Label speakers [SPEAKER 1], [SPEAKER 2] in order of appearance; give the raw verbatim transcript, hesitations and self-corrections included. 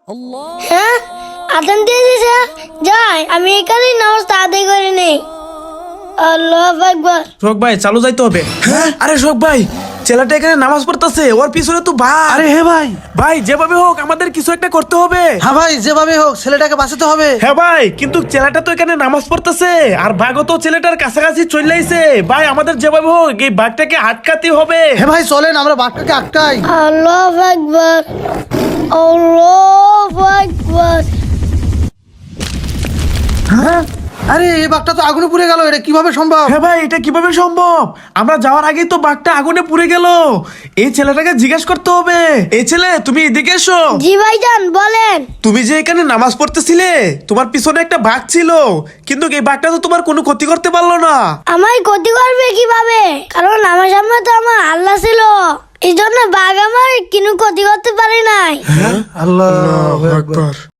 [SPEAKER 1] হ্যাঁ আদান দিয়ে দিছে, যাই আমি এখানেই নামাজ আদায় করে নেই। আল্লাহু আকবার।
[SPEAKER 2] শোক ভাই চালু যাইতে হবে। হ্যাঁ আরে শোক ভাই, ছেলেটা এখানে নামাজ পড়তেছে, ওর পিছনে তো ভাই।
[SPEAKER 3] আরে হে ভাই,
[SPEAKER 2] ভাই যেভাবে হোক আমাদের কিছু একটা করতে হবে।
[SPEAKER 3] হ্যাঁ ভাই যেভাবে হোক ছেলেটাকে বাঁচাতে হবে।
[SPEAKER 2] হ্যাঁ ভাই, কিন্তু ছেলেটা তো এখানে নামাজ পড়তেছে আর বাঘও তো ছেলেটার কাছাকাছি চলে আইছে। ভাই আমাদের যেভাবে হোক এই বাঘটাকে আটকাতে হবে।
[SPEAKER 3] হ্যাঁ ভাই চলেন আমরা বাঘটাকে আটকাই।
[SPEAKER 1] আল্লাহু আকবার, আল্লাহু আকবার।
[SPEAKER 3] হ্যাঁ আরে এই বাঘটা তো আগুনে পুড়ে গেল, এটা কিভাবে সম্ভব?
[SPEAKER 2] হ্যাঁ ভাই এটা কিভাবে সম্ভব? আমরা যাওয়ার আগেই তো বাঘটা আগুনে পুড়ে গেল। এই ছেলেটাকে জিজ্ঞেস করতে হবে। এই ছেলে তুমি এদিকে এসো।
[SPEAKER 1] জি ভাইজান বলেন।
[SPEAKER 2] তুমি যে এখানে নামাজ পড়তেছিলে, তোমার পিছনে একটা বাঘ ছিল, কিন্তু এই বাঘটা তো তোমার কোনো ক্ষতি করতে পারলো না।
[SPEAKER 1] আমায় ক্ষতি করবে কিভাবে? কারণ আমার সামনে তো আমার আল্লাহ ছিল, এই জন্য বাঘ আমার কোনো ক্ষতি করতে পারে নাই।
[SPEAKER 3] আল্লাহু আকবার।